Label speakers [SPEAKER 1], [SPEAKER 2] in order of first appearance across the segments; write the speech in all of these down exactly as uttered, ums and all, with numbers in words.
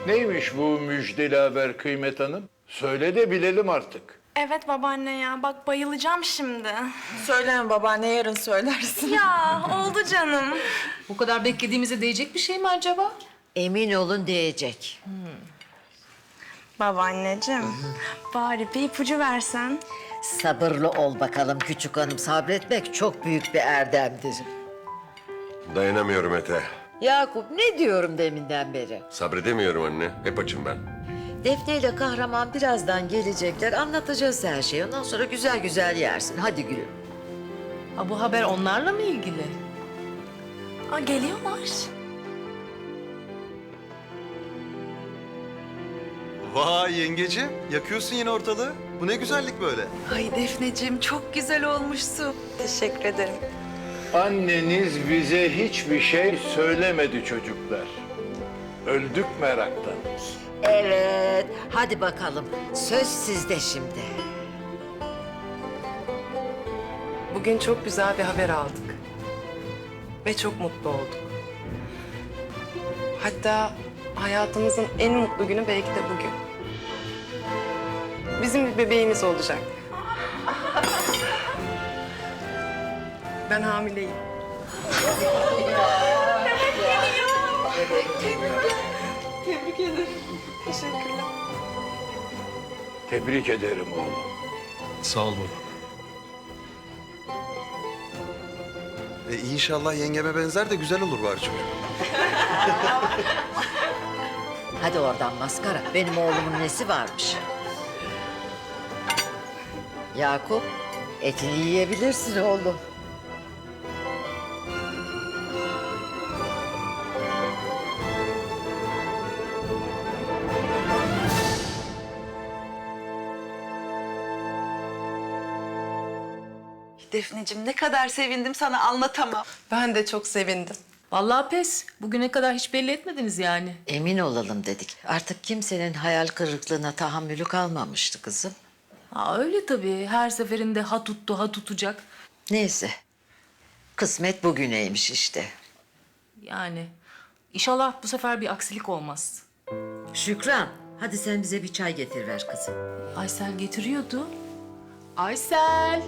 [SPEAKER 1] Neymiş bu müjdeli haber Kıymet Hanım? Söyle de bilelim artık.
[SPEAKER 2] Evet babaanne ya, bak bayılacağım şimdi.
[SPEAKER 3] Söyleme babaanne, yarın söylersin.
[SPEAKER 2] Ya oldu canım.
[SPEAKER 4] Bu kadar beklediğimize değecek bir şey mi acaba?
[SPEAKER 5] Emin olun değecek.
[SPEAKER 2] Babaanneciğim, bari bir ipucu versen.
[SPEAKER 5] Sabırlı ol bakalım küçük hanım. Sabretmek çok büyük bir erdemdir.
[SPEAKER 6] Dayanamıyorum Ete.
[SPEAKER 5] Yakup ne diyorum deminden beri?
[SPEAKER 6] Sabredemiyorum anne. Hep açım ben.
[SPEAKER 5] Defne ile kahraman birazdan gelecekler. Anlatacağız her şeyi. Ondan sonra güzel güzel yersin. Hadi gülüm.
[SPEAKER 4] Ha, bu haber onlarla mı ilgili?
[SPEAKER 2] Aa, geliyorlar.
[SPEAKER 7] Vay yengeciğim, yakıyorsun yine ortalığı. Bu ne güzellik böyle.
[SPEAKER 3] Ay Defneciğim, çok güzel olmuşsun.
[SPEAKER 2] Teşekkür ederim.
[SPEAKER 1] Anneniz bize hiçbir şey söylemedi çocuklar. Öldük meraktan.
[SPEAKER 5] Evet. Hadi bakalım. Söz sizde şimdi.
[SPEAKER 3] Bugün çok güzel bir haber aldık. Ve çok mutlu olduk. Hatta hayatımızın en mutlu günü belki de bugün. Bizim bir bebeğimiz olacak. Ben hamileyim. Tebrik ederim. Teşekkürler.
[SPEAKER 1] Tebrik ederim oğlum.
[SPEAKER 7] Sağ ol baba. E inşallah yengeme benzer de güzel olur bari çocuk.
[SPEAKER 5] Hadi oradan maskara. Benim oğlumun nesi varmış? Yakup, etini yiyebilirsin oğlum.
[SPEAKER 8] Defneciğim ne kadar sevindim sana anlatamam.
[SPEAKER 3] Ben de çok sevindim.
[SPEAKER 4] Vallahi pes. Bugüne kadar hiç belli etmediniz yani.
[SPEAKER 5] Emin olalım dedik. Artık kimsenin hayal kırıklığına tahammülü kalmamıştı kızım.
[SPEAKER 4] Ha, öyle tabii. Her seferinde ha tuttu, ha tutacak.
[SPEAKER 5] Neyse. Kısmet bugüneymiş işte.
[SPEAKER 4] Yani inşallah bu sefer bir aksilik olmaz.
[SPEAKER 5] Şükran, hadi sen bize bir çay getir ver kızım.
[SPEAKER 4] Aysel getiriyordu. Aysel!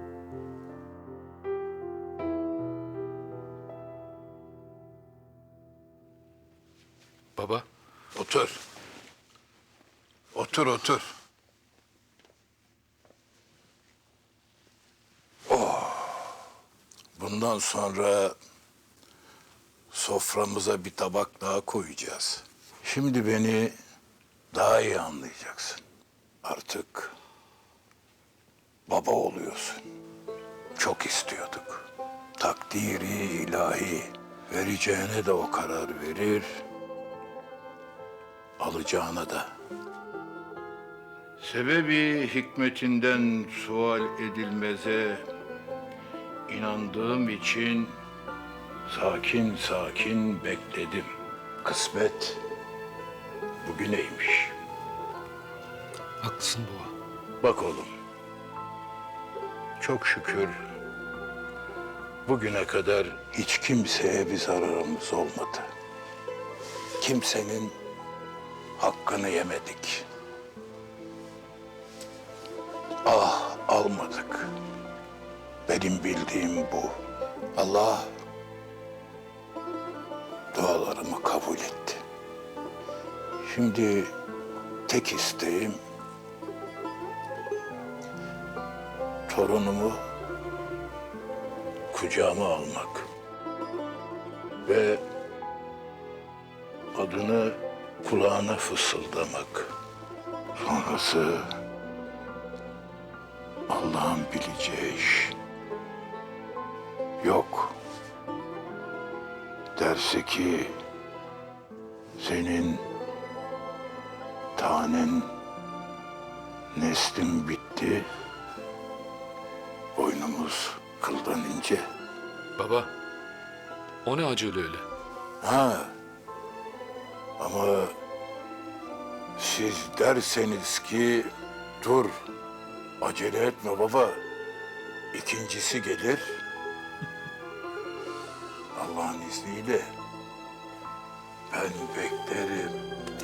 [SPEAKER 1] Baba. Otur. Otur, otur. Oh. Bundan sonra soframıza bir tabak daha koyacağız. Şimdi beni daha iyi anlayacaksın. Artık baba oluyorsun. Çok istiyorduk. Takdiri ilahi. Vereceğine de o karar verir. Alacağına da. Sebebi hikmetinden sual edilmeze inandığım için sakin sakin bekledim. Kısmet bugüneymiş.
[SPEAKER 7] Haklısın baba.
[SPEAKER 1] Bak oğlum, çok şükür bugüne kadar hiç kimseye bir zararımız olmadı. Kimsenin hakkını yemedik. Ah almadık. Benim bildiğim bu. Allah dualarımı kabul etti. Şimdi tek isteğim torunumu kucağıma almak ve adını kulağına fısıldamak. Sonrası Allah'ın bileceği iş. Yok. Derse ki senin tanen neslin bitti. Boynumuz kıldan ince.
[SPEAKER 9] Baba, o ne acele öyle?
[SPEAKER 1] Ha. Ama siz derseniz ki dur, acele etme baba. İkincisi gelir. Allah'ın izniyle ben beklerim.